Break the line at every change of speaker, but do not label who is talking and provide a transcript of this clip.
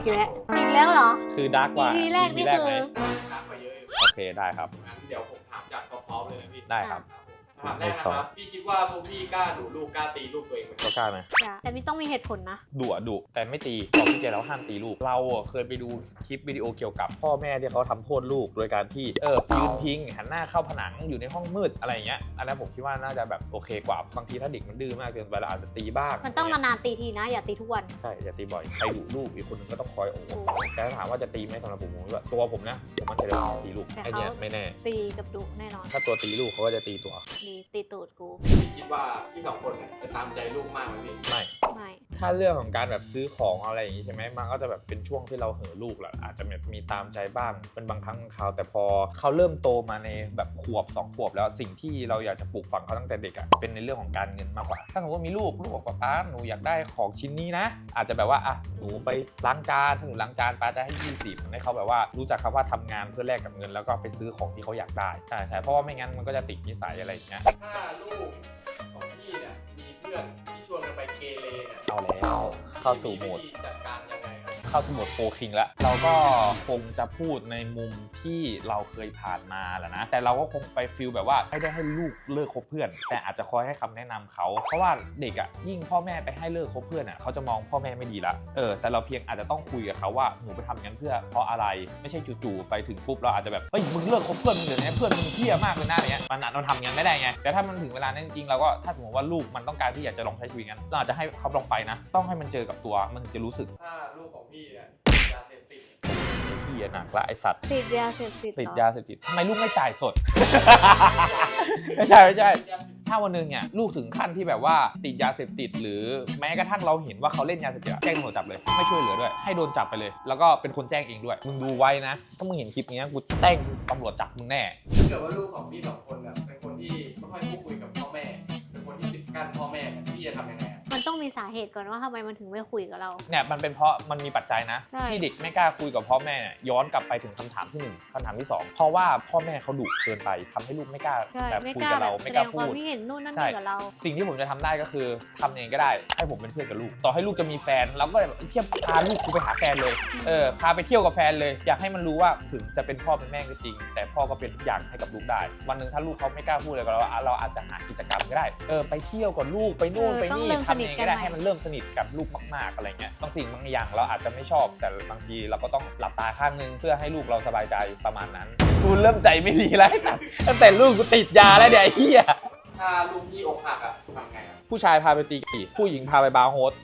อีกแล้วเหรอ
คือดาร์กกว่า
EP แรกนี่คือ
ถามมาเยอะ
โอเคได้ครับ
งั้นเดี๋ยวผมถามจากพร้อมๆเลยนะพี่
ได้ครับ
ถามแรกนะครับพี่คิดว่าพวกพี่กล้าดุลูกกล้าตีลูกตัวเองไหม
ก็กล้าไหม
แต่ไม่ต้องมีเหตุผลนะ
ดุแต่ไม่ตีบอกพี่เจแล้วห้ามตีลูกเราเคยไปดูคลิปวิดีโอเกี่ยวกับพ่อแม่ที่เขาทำโทษลูกโดยการที่ยืนพิงหันหน้าเข้าผนังอยู่ในห้องมืดอะไรอย่างเงี้ยอันนั้นผมคิดว่าน่าจะแบบโอเคกว่าบางทีถ้าเด็กมันดื้อมากเกินไปเราอาจจะตีบ้าง
มันต้องนานๆตีทีนะอย่าตีทุกวัน
ใช่อย่าตีบ่อยใครดุลูกอีกคนนึงก็ต้องคอยโอ้แต่ถ้าถามว่าจะตีไหมสำหรับผมว่าตัวผมนะผมมันจะตีลูกไอเนี้ยไม่แน่
ตีกับดุแน่นอน
ถ้าตัวตีลูกเขาก็จะตีตัว
ตีตูดกู
พี่คิดว่าพี่สองคนเนี่ยจะตามใจลูกมากไหมพี่
ไม่ ถ้าเรื่องของการแบบซื้อของอะไรอย่างนี้ใช่ไหมมันก็จะแบบเป็นช่วงที่เราเห่อลูกแหละอาจจะแบบมีตามใจบ้างเป็นบางครั้งคราวแต่พอเขาเริ่มโตมาในแบบขวบ2 ขวบแล้วสิ่งที่เราอยากจะปลูกฝังเขาตั้งแต่เด็กอะเป็นในเรื่องของการเงินมากกว่าถ้าสมมติว่ามีลูกบอกว่าป้าหนูอยากได้ของชิ้นนี้นะอาจจะแบบว่าอ่ะหนูไปล้างจานถ้าหนูล้างจานป้าจะให้20ให้เขาแบบว่ารู้จักคำว่าทำงานเพื่อแลกกับเงินแล้วก็ไปซื้อของที่เขาอยากได้ใช่เพราะว่าไม่งั้นมันก็จะติดนิสัยอะไรอย่างเงี้ย
ถ้าลูกของพี่เนี่ยมีเพื่อนที่ชวนกันไปเกเรเนี่ย
เอาแล้วเข้าสู่โหมด
พี่จัดการยังไงครับ
เข้าสมุดโฟคิงแล้วเราก็คงจะพูดในมุมที่เราเคยผ่านมาแหละนะแต่เราก็คงไปฟีลแบบว่าไม่ได้ให้ลูกเลิกคบเพื่อนแต่อาจจะคอยให้คำแนะนำเขาเพราะว่าเด็กอ่ะยิ่งพ่อแม่ไปให้เลิกคบเพื่อนอ่ะเขาจะมองพ่อแม่ไม่ดีละแต่เราเพียงอาจจะต้องคุยกับเขาว่าหนูไปทำงั้นเพื่อเพราะอะไรไม่ใช่จู่ๆไปถึงปุ๊บเราอาจจะแบบเฮ้ยมึงเลิกคบเพื่อนมึงเดี๋ยวนี้เพื่อนมึงเหี้ยมากเลยนะอะไรเงี้ยมันอาจเราทำงั้นไม่ได้ไงแต่ถ้ามันถึงเวลานั้นจริงๆเราก็ถ้าสมมติว่าลูกมันต้องการที่อยากจะลองใช้ชีวิตงั้นเราอาจจะให้เขาลองไปนะต้องให้มันเจอกับตัวมันถึงจะรู้สึก
ถ้าลูกของพี่เนี่ยยาเสพติด
เหี้ยหนักละไอสัตว์
ติดยาเสพติด
ติดยาเสพติดทำไมลูกไม่จ่ายสด ไม่ใช่ถ้าวันหนึงเนี่ยลูกถึงขั้นที่แบบว่าติดยาเสพติดหรือแม้กระทั่งเราเห็นว่าเขาเล่นยาเสพติดแจ้งตำรวจจับเลยไม่ช่วยเหลือด้วยให้โดนจับไปเลย แล้วก็เป็นคนแจ้งเองด้วยมึงดูไว้นะถ้ามึงเห็นคลิปนี้กูแจ้งตำรวจจับมึงแน่
ถ้าเกิดว่าลูกของพี่สองคนเนี่ยเป็นคนที่ไม่ค่อยพูดคุยกับพ่อแม่เป็นคนที่ปิดกั้นพ่อแม่เนี่ยพี่จะทำยังไงอะ
มันต้องมีสาเหตุก่อนว่าทำไมมันถึงไม่คุยกับเรา
เนี่ยมันเป็นเพราะมันมีปัจจัยนะ
ใช่
ที่เด็กไม่กล้าคุยกับพ่อแม่ย้อนกลับไปถึงคำถามที่1คำถามที่2เพราะว่าพ่อแม่เขาดุเกินไปทำให้ลูกไม่กล้า
ใช่
แบบ
ไม่
คุย
กล้า
กับ
แบ
เรา
บแส
ไม่
ด
กล้าง
ค
พู
วาม
ด
คิดเห็นนู่นนั่น
ใช่
นี่กับเรา
สิ่งที่ผมจะทำได้ก็คือทำเองก็ได้ให้ผมเป็นเพื่อนกับลูกต่อให้ลูกจะมีแฟนเราก็แบบเทียบพาลูกกูไปหาแฟนเลยพาไปเที่ยวกับแฟนเลยอยากให้มันรู้ว่าถึงจะเป็นพ่อเป็นแม่ก็จริง แต่พ่อก็เป็นทุกอย่างให้กับลูกได้วันหนึ่งถ้าลูกเขาไม่กล้าพูดอะไรกับเราเราอาจจะหากิจกรรมก็ได้ไปเที่ยวกับลูกไปนู่นไปนี่ทำเองก็ได้ให้มันเริ่มสนิทกับลูกมากๆอะไรเงี้ยบางสิ่งบางอย่างเราอาจจะไม่ชอบแต่บางทีเราก็ต้องหลับตาข้างนึงเพื่อให้ลูกเราสบายใจประมาณนั้นกูเริ่มใจไม่ดีแล้วตั้งแต่ลูกกูติดยาแล้วเดี๋ยวไอ้เหี้ย
ถ้าลูกพี่อกหักอะทำไงอะ
ผู้ชายพาไปตีกี่ผู้หญิงพาไปบาร์โฮส